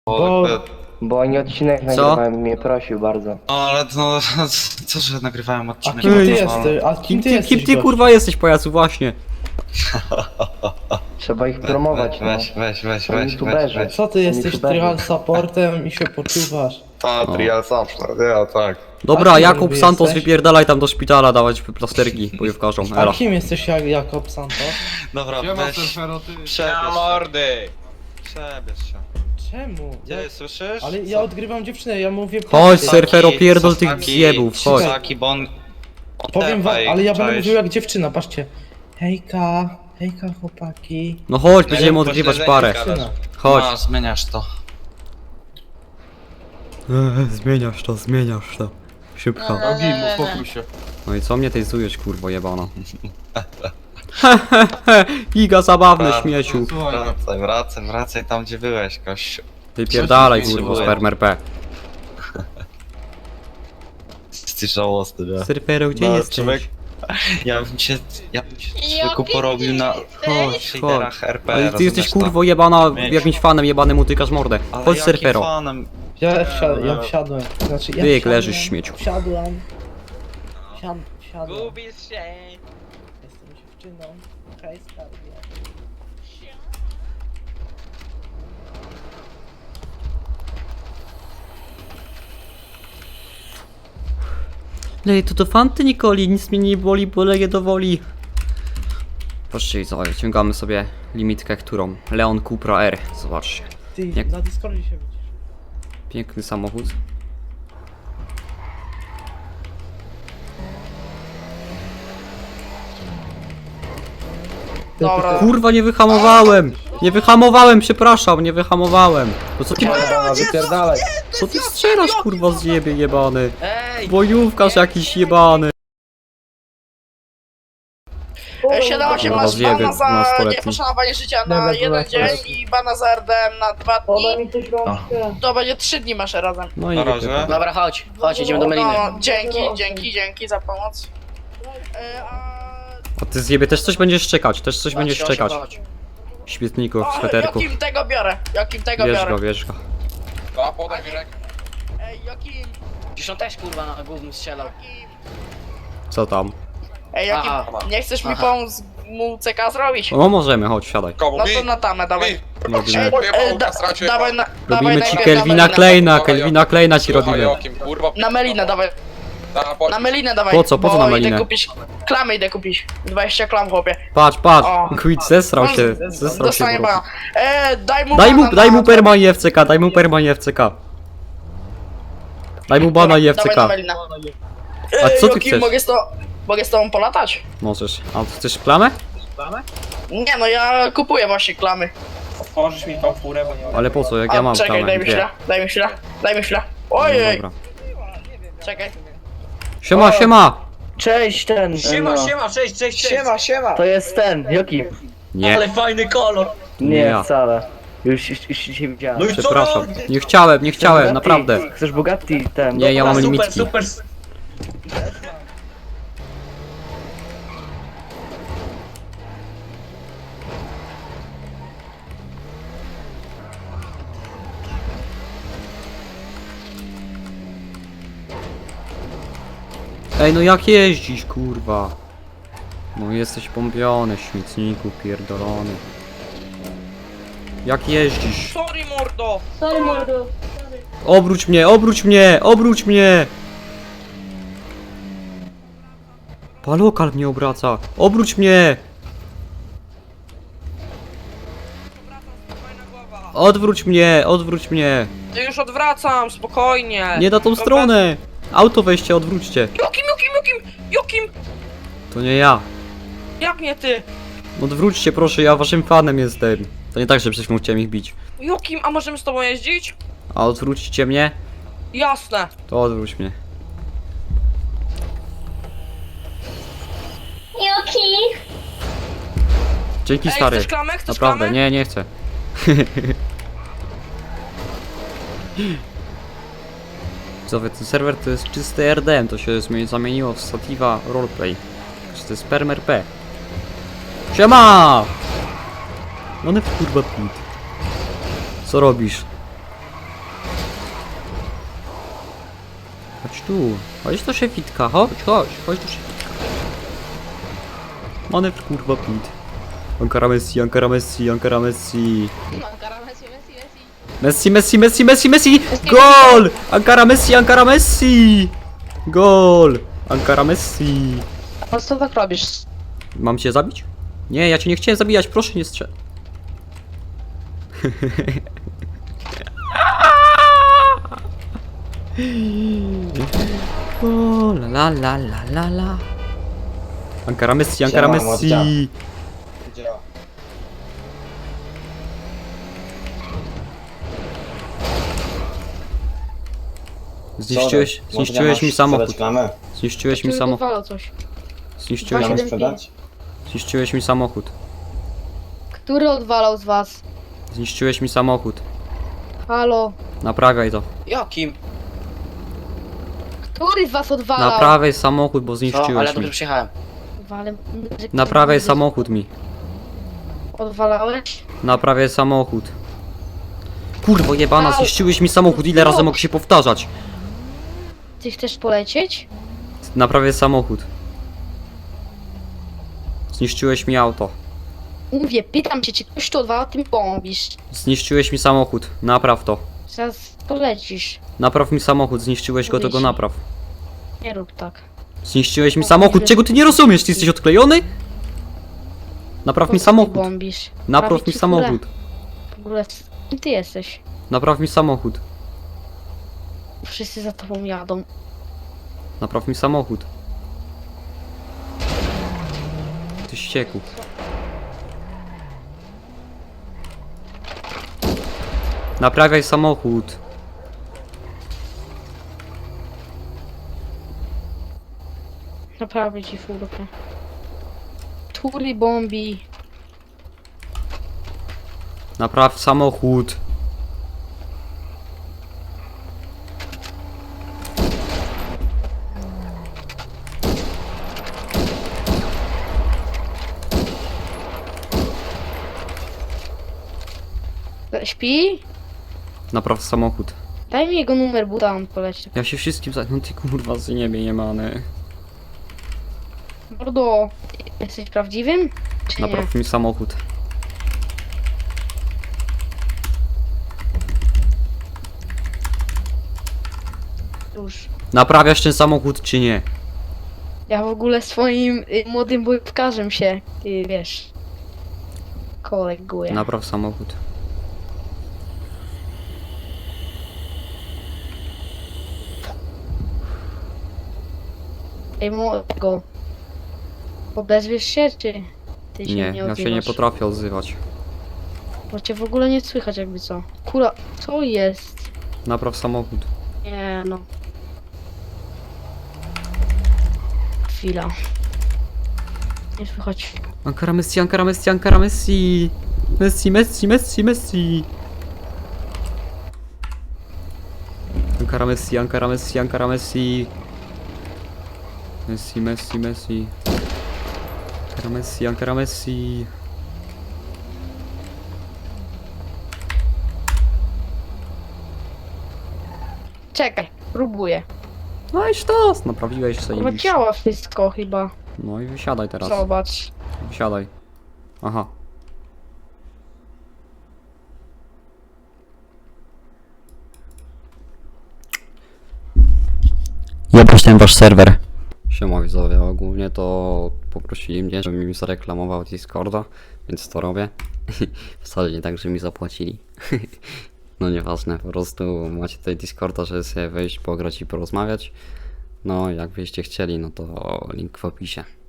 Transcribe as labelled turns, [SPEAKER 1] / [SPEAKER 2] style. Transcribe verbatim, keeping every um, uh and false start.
[SPEAKER 1] Bo,
[SPEAKER 2] Ale-
[SPEAKER 1] bo oni odcinek nagrywałem i mnie prosił bardzo.
[SPEAKER 2] No ale no, co, że nagrywałem
[SPEAKER 3] A
[SPEAKER 2] odcinek?
[SPEAKER 3] kim ty
[SPEAKER 2] no,
[SPEAKER 3] jesteś? A kim
[SPEAKER 4] Kim
[SPEAKER 3] ty
[SPEAKER 4] ty,
[SPEAKER 3] jesteś?
[SPEAKER 4] kim ty
[SPEAKER 3] gość?
[SPEAKER 4] kurwa jesteś, pajacu, właśnie?
[SPEAKER 1] Trzeba ich promować, no.
[SPEAKER 2] Weź, weź, weź,
[SPEAKER 1] Są
[SPEAKER 2] weź, weź,
[SPEAKER 1] youtuberzy.
[SPEAKER 2] weź.
[SPEAKER 3] Co ty jesteś
[SPEAKER 1] YouTuberzy.
[SPEAKER 3] trial supportem i się poczuwasz?
[SPEAKER 2] A, trial zawsze, ja tak.
[SPEAKER 4] Dobra,
[SPEAKER 3] A kim
[SPEAKER 4] Jakub
[SPEAKER 3] niby
[SPEAKER 4] Santos,
[SPEAKER 3] jesteś?
[SPEAKER 4] wypierdalaj tam do szpitala, dawać plasterki bojówkarzom,
[SPEAKER 3] A
[SPEAKER 4] elo.
[SPEAKER 3] kim jesteś jak Jakob Santos?
[SPEAKER 2] Dobra,
[SPEAKER 5] Siema,
[SPEAKER 2] weź,
[SPEAKER 5] surfero, ty.
[SPEAKER 2] przebierz
[SPEAKER 5] Siema,
[SPEAKER 2] się,
[SPEAKER 5] mordy.
[SPEAKER 2] przebierz się.
[SPEAKER 3] Czemu?
[SPEAKER 2] Gdzie
[SPEAKER 3] Ja,
[SPEAKER 2] słyszysz?
[SPEAKER 3] ale ja odgrywam dziewczynę, ja mówię...
[SPEAKER 4] Chodź,
[SPEAKER 3] prawdę.
[SPEAKER 4] surfero, pierdol tych
[SPEAKER 2] Sasaki,
[SPEAKER 4] zjebów, chodź.
[SPEAKER 2] Sasaki, bo on... on
[SPEAKER 3] Powiem wam,
[SPEAKER 2] tepaj,
[SPEAKER 3] ale ja będę
[SPEAKER 2] cześć.
[SPEAKER 3] mówił jak dziewczyna, patrzcie. Hejka, hejka chłopaki.
[SPEAKER 4] No chodź, będziemy
[SPEAKER 2] po
[SPEAKER 4] odgrywać
[SPEAKER 2] śledzeniu
[SPEAKER 4] parę.
[SPEAKER 2] gadasz.
[SPEAKER 3] Dziewczyna.
[SPEAKER 4] Chodź.
[SPEAKER 2] No, zmieniasz to.
[SPEAKER 4] Eee, zmieniasz to, zmieniasz to. Szybko.
[SPEAKER 5] Nogi, uspokój się.
[SPEAKER 4] No i co mnie tejzujesz, kurwo jebano? Giga zabawne,
[SPEAKER 2] Tak.
[SPEAKER 4] śmieciu.
[SPEAKER 5] Słuchaj,
[SPEAKER 2] Wracaj, wracaj, wracaj tam, gdzie byłeś, gościu.
[SPEAKER 4] Wypierdalaj,
[SPEAKER 2] Co ci
[SPEAKER 4] kurwo,
[SPEAKER 2] potrzebuję?
[SPEAKER 4] spermer P.
[SPEAKER 2] Jesteś żałosny, nie?
[SPEAKER 4] Surfero, gdzie
[SPEAKER 2] No,
[SPEAKER 4] jesteś?
[SPEAKER 2] człowiek- Ja bym cię, ja bym cię
[SPEAKER 6] Jaki
[SPEAKER 2] człowieku porobił na
[SPEAKER 4] Chodź,
[SPEAKER 2] shaderach
[SPEAKER 4] chodź.
[SPEAKER 2] R P.
[SPEAKER 4] Ale ty
[SPEAKER 2] rozumiesz
[SPEAKER 4] jesteś
[SPEAKER 2] to?
[SPEAKER 4] kurwo jebana,
[SPEAKER 2] Mieć.
[SPEAKER 4] jakimś fanem jebanym utykasz mordę.
[SPEAKER 2] Ale
[SPEAKER 4] Chodź,
[SPEAKER 2] jakim
[SPEAKER 4] surfero.
[SPEAKER 2] fanem?
[SPEAKER 3] Ja, wsia ja wsiadłem. Znaczy, ja
[SPEAKER 4] Ty, jak
[SPEAKER 3] wsiadłem,
[SPEAKER 4] leżysz, śmieciu.
[SPEAKER 3] Wsiadłem. Wsiad wsiadłem.
[SPEAKER 6] Gubisz się.
[SPEAKER 3] Jestem dziewczyną. Hej, skarbie.
[SPEAKER 4] Lej, to do fanty Nikoli, nic mnie nie boli, bo leję do woli. Patrzcie, co, wyciągamy sobie limitkę, którą? Leon Cupra R, zobaczcie.
[SPEAKER 3] Ty,
[SPEAKER 4] Jak-
[SPEAKER 3] na Discordzie się widzisz.
[SPEAKER 4] Piękny samochód.
[SPEAKER 6] Dobra.
[SPEAKER 4] Kurwa, nie wyhamowałem! Nie wyhamowałem, przepraszam, nie wyhamowałem. To co ty,
[SPEAKER 1] Dobra, wypierdalaj.
[SPEAKER 4] co ty strzelasz, kurwa, zjebie jebany?
[SPEAKER 6] Ej!
[SPEAKER 4] Bojówkarz jakiś jebany.
[SPEAKER 6] siedem osiem
[SPEAKER 4] Kurwa,
[SPEAKER 6] masz
[SPEAKER 4] zjebie
[SPEAKER 6] bana za
[SPEAKER 4] nastoletni.
[SPEAKER 6] nieposzanowanie życia na
[SPEAKER 3] Dobra,
[SPEAKER 6] jeden
[SPEAKER 3] dobra,
[SPEAKER 6] dzień i bana za R D M na dwa dni.
[SPEAKER 3] mi coś rączkę.
[SPEAKER 6] To będzie trzy dni masz razem.
[SPEAKER 4] No i
[SPEAKER 2] Na razie.
[SPEAKER 4] wypierdalaj.
[SPEAKER 7] Dobra, chodź, chodź, idziemy do Meliny.
[SPEAKER 6] No, dzięki, dzięki, dzięki za pomoc. E, a...
[SPEAKER 4] A ty zjebie też coś będziesz czekać, też coś
[SPEAKER 7] Chodź,
[SPEAKER 4] będziesz
[SPEAKER 7] chodź,
[SPEAKER 4] czekać.
[SPEAKER 7] chodź.
[SPEAKER 4] Śmietników,
[SPEAKER 6] O,
[SPEAKER 4] sweterków.
[SPEAKER 6] Jokim tego biorę, Jokim tego
[SPEAKER 4] Bierz
[SPEAKER 6] biorę.
[SPEAKER 4] go, bierz go.
[SPEAKER 5] A, podaj mi rękę.
[SPEAKER 6] Ej, Jokim,
[SPEAKER 7] Przecież on też kurwa na głównym strzelał.
[SPEAKER 6] Jokim.
[SPEAKER 4] Co tam?
[SPEAKER 6] Ej, Jokim,
[SPEAKER 7] Aha.
[SPEAKER 6] nie chcesz mi
[SPEAKER 7] Aha.
[SPEAKER 6] pomóc mu C K zrobić?
[SPEAKER 4] No możemy, chodź, siadaj.
[SPEAKER 5] Komu
[SPEAKER 6] No
[SPEAKER 5] mi?
[SPEAKER 6] to na tamę, dawaj.
[SPEAKER 5] Mi.
[SPEAKER 4] Robimy,
[SPEAKER 6] Ej,
[SPEAKER 5] Pojebał
[SPEAKER 6] e, da,
[SPEAKER 5] kastracie.
[SPEAKER 6] dawaj na, dawaj
[SPEAKER 4] robimy ci
[SPEAKER 6] najpierw
[SPEAKER 4] Kelvina
[SPEAKER 6] na Melinę.
[SPEAKER 4] Kleina,
[SPEAKER 5] Słuchaj,
[SPEAKER 4] Kelvina Kleina ci
[SPEAKER 5] Słuchaj,
[SPEAKER 4] robimy.
[SPEAKER 5] Jokim, kurwa.
[SPEAKER 6] Na Melinę dawaj,
[SPEAKER 5] Na, po...
[SPEAKER 6] na Melinę dawaj.
[SPEAKER 4] Po co? Po co
[SPEAKER 6] bo
[SPEAKER 4] na Melinę?
[SPEAKER 6] Idę kupić, klamy idę kupić. dwadzieścia klam, chłopie.
[SPEAKER 4] Patrz, patrz,
[SPEAKER 6] O.
[SPEAKER 4] Quid zesrał
[SPEAKER 6] On
[SPEAKER 4] się,
[SPEAKER 6] z-
[SPEAKER 4] zesrał się
[SPEAKER 6] Dostanie
[SPEAKER 4] po prostu.
[SPEAKER 6] bana. E, daj mu
[SPEAKER 4] Daj mu,
[SPEAKER 6] bana
[SPEAKER 4] daj
[SPEAKER 6] na-
[SPEAKER 4] mu perma i F C K, daj mu perma i F C K. Daj mu bana i F C
[SPEAKER 6] Dawaj
[SPEAKER 4] K.
[SPEAKER 6] na Melinę.
[SPEAKER 4] A co ty
[SPEAKER 6] Jokim,
[SPEAKER 4] chcesz?
[SPEAKER 6] Mogę z, to, mogę z tobą polatać?
[SPEAKER 4] Możesz. A ty chcesz klamę?
[SPEAKER 6] Nie no, ja kupuję właśnie klamy.
[SPEAKER 5] Otworzysz mi tą furę, bo nie
[SPEAKER 4] Ale po co, jak ja
[SPEAKER 6] A,
[SPEAKER 4] mam
[SPEAKER 6] czekaj,
[SPEAKER 4] klamę?
[SPEAKER 6] daj mi
[SPEAKER 4] Dwie.
[SPEAKER 6] chwilę, daj mi chwilę, daj mi chwilę.
[SPEAKER 4] No
[SPEAKER 6] Ojej,
[SPEAKER 4] dobra.
[SPEAKER 6] czekaj.
[SPEAKER 4] Siema, siema!
[SPEAKER 1] Cześć, ten.
[SPEAKER 7] Siema,
[SPEAKER 1] no.
[SPEAKER 7] siema, cześć, cześć, cześć.
[SPEAKER 6] siema.
[SPEAKER 1] To jest ten, Jokim.
[SPEAKER 4] Nie,
[SPEAKER 7] Ale fajny kolor.
[SPEAKER 4] Nie
[SPEAKER 1] Nie,
[SPEAKER 4] ja.
[SPEAKER 1] wcale. Już, już, już się widziałem.
[SPEAKER 7] No i co?
[SPEAKER 4] przepraszam. Nie chciałem, nie chciałem,
[SPEAKER 1] Bugatti?
[SPEAKER 4] naprawdę.
[SPEAKER 1] Chcesz Bugatti? Ten.
[SPEAKER 4] Nie, ja mam
[SPEAKER 7] super,
[SPEAKER 4] limitki.
[SPEAKER 7] super.
[SPEAKER 4] Ej, no jak jeździsz, kurwa? No jesteś pompiony, śmietniku pierdolony. Jak jeździsz?
[SPEAKER 6] Sorry mordo.
[SPEAKER 4] Obróć mnie, obróć mnie, obróć mnie! Palokal mnie obraca. Obróć mnie! Odwróć mnie, odwróć mnie!
[SPEAKER 8] Ja już odwracam, spokojnie.
[SPEAKER 4] Nie na tą
[SPEAKER 8] Dobra.
[SPEAKER 4] stronę! Auto weźcie, odwróćcie.
[SPEAKER 8] Jokim, Jokim, Jokim, Jokim!
[SPEAKER 4] To nie ja.
[SPEAKER 8] Jak nie ty?
[SPEAKER 4] Odwróćcie proszę, ja waszym fanem jestem. To nie tak, że przecież chciałem ich bić.
[SPEAKER 8] Jokim, a możemy z tobą jeździć?
[SPEAKER 4] A odwrócicie mnie?
[SPEAKER 8] Jasne.
[SPEAKER 4] To odwróć mnie.
[SPEAKER 6] Joki.
[SPEAKER 4] Dzięki
[SPEAKER 8] Ej,
[SPEAKER 4] stary.
[SPEAKER 8] chcesz klamę? Chcesz
[SPEAKER 4] Naprawdę,
[SPEAKER 8] klamę?
[SPEAKER 4] nie, nie chcę. Widzowie, ten serwer to jest czysty R D M, to się zmie- zamieniło w Sativa Roleplay. To jest Spermer P. Siema! No nie kurwa pit. Co robisz? Chodź tu. Chodź do szefitka, chodź, chodź, chodź do szefitka. Manewr kurwa pit. Ankara Messi, Ankara Messi, Ankara Messi. Messi, Messi, Messi, Messi, Messi! Gol! Ankara Messi, Ankara Messi! Gol! Ankara Messi!
[SPEAKER 8] Po co tak robisz?
[SPEAKER 4] Mam cię zabić? Nie, ja cię nie chciałem zabijać, proszę nie strzel. O, la la la la la. Ankara Messi, Ankara
[SPEAKER 3] Siema,
[SPEAKER 4] Messi!
[SPEAKER 3] mordzia.
[SPEAKER 4] Zniszczyłeś, zniszczyłeś mi samochód. Zniszczyłeś mi samochód.
[SPEAKER 8] Wywalał coś.
[SPEAKER 4] Zniszczyłeś,
[SPEAKER 8] Dwa
[SPEAKER 4] mi-
[SPEAKER 8] siedem
[SPEAKER 3] sprzedać?
[SPEAKER 4] zniszczyłeś mi samochód.
[SPEAKER 8] Który odwalał z was?
[SPEAKER 4] Zniszczyłeś mi samochód.
[SPEAKER 8] Halo?
[SPEAKER 4] Naprawiaj to.
[SPEAKER 7] Jakim?
[SPEAKER 8] Który z was odwalał?
[SPEAKER 4] Naprawiaj samochód, bo
[SPEAKER 7] Co? Ale
[SPEAKER 4] zniszczyłeś
[SPEAKER 7] dobrze
[SPEAKER 4] mi.
[SPEAKER 7] przyjechałem.
[SPEAKER 8] Odwalem...
[SPEAKER 4] Naprawiaj samochód mi.
[SPEAKER 8] Odwalałeś?
[SPEAKER 4] Naprawiaj samochód. Kurwo jebana,
[SPEAKER 8] Au.
[SPEAKER 4] zniszczyłeś mi samochód, ile razy mogę się powtarzać?
[SPEAKER 8] Ty chcesz polecieć?
[SPEAKER 4] Naprawiaj samochód. Zniszczyłeś mi auto.
[SPEAKER 8] Mówię, pytam cię, czy ktoś to odwalał, ty mi bombisz.
[SPEAKER 4] Zniszczyłeś mi samochód, napraw to.
[SPEAKER 8] Zaraz polecisz.
[SPEAKER 4] Napraw mi samochód, zniszczyłeś go, to go
[SPEAKER 8] Mówię ci.
[SPEAKER 4] napraw.
[SPEAKER 8] Nie rób tak.
[SPEAKER 4] Zniszczyłeś mi samochód, czego ty nie rozumiesz? Ty jesteś odklejony? Napraw
[SPEAKER 8] Po
[SPEAKER 4] mi
[SPEAKER 8] co ty
[SPEAKER 4] samochód.
[SPEAKER 8] bombisz?
[SPEAKER 4] Napraw
[SPEAKER 8] Prawie
[SPEAKER 4] mi
[SPEAKER 8] ci w ogóle-
[SPEAKER 4] samochód.
[SPEAKER 8] W ogóle, kim ty jesteś?
[SPEAKER 4] Napraw mi samochód.
[SPEAKER 8] Wszyscy za tobą jadą.
[SPEAKER 4] Napraw mi samochód. Ty ścieku. Naprawiaj samochód.
[SPEAKER 8] Naprawię ci furkę. Który bombi?
[SPEAKER 4] Napraw samochód.
[SPEAKER 8] Śpi?
[SPEAKER 4] Napraw samochód.
[SPEAKER 8] Daj mi jego numer buta, on poleci.
[SPEAKER 4] Ja się wszystkim za... No ty kurwa z niebie nie many.
[SPEAKER 8] Mordo, jesteś prawdziwym? Czy nie?
[SPEAKER 4] Napraw mi samochód.
[SPEAKER 8] Już.
[SPEAKER 4] Naprawiasz ten samochód czy nie?
[SPEAKER 8] Ja w ogóle swoim y, młodym bojówkarzem się, y, wiesz, koleguję.
[SPEAKER 4] Napraw samochód.
[SPEAKER 8] Ej, młodego. Odezwiesz się, czy ty się
[SPEAKER 4] Nie,
[SPEAKER 8] nie
[SPEAKER 4] ja
[SPEAKER 8] odzywasz?
[SPEAKER 4] się nie potrafię odzywać.
[SPEAKER 8] Bo cię w ogóle nie słychać jakby co. Kura, co jest?
[SPEAKER 4] Napraw samochód.
[SPEAKER 8] Nie no. Chwila. Nie słychać.
[SPEAKER 4] Ankara Messi, Ankara Messi, Ankara Messi. Messi, Messi, Messi, Messi. Ankara Messi, Ankara Messi, Ankara Messi. Messi, Messi, Messi. Ankara Messi, Ankara Messi.
[SPEAKER 8] Czekaj, próbuję.
[SPEAKER 4] No i sztos, naprawiłeś sobie.
[SPEAKER 8] Chyba działa wszystko chyba.
[SPEAKER 4] No i wysiadaj teraz.
[SPEAKER 8] Zobacz.
[SPEAKER 4] Wysiadaj. Aha. Jebać ten wasz serwer. Siema widzowie, ogólnie to poprosili mnie, żebym im zareklamował Discorda, więc to robię. Wcale nie tak, że mi zapłacili. No nieważne, po prostu macie tutaj Discorda, żeby sobie wejść, pograć i porozmawiać. No jak byście chcieli, no to link w opisie.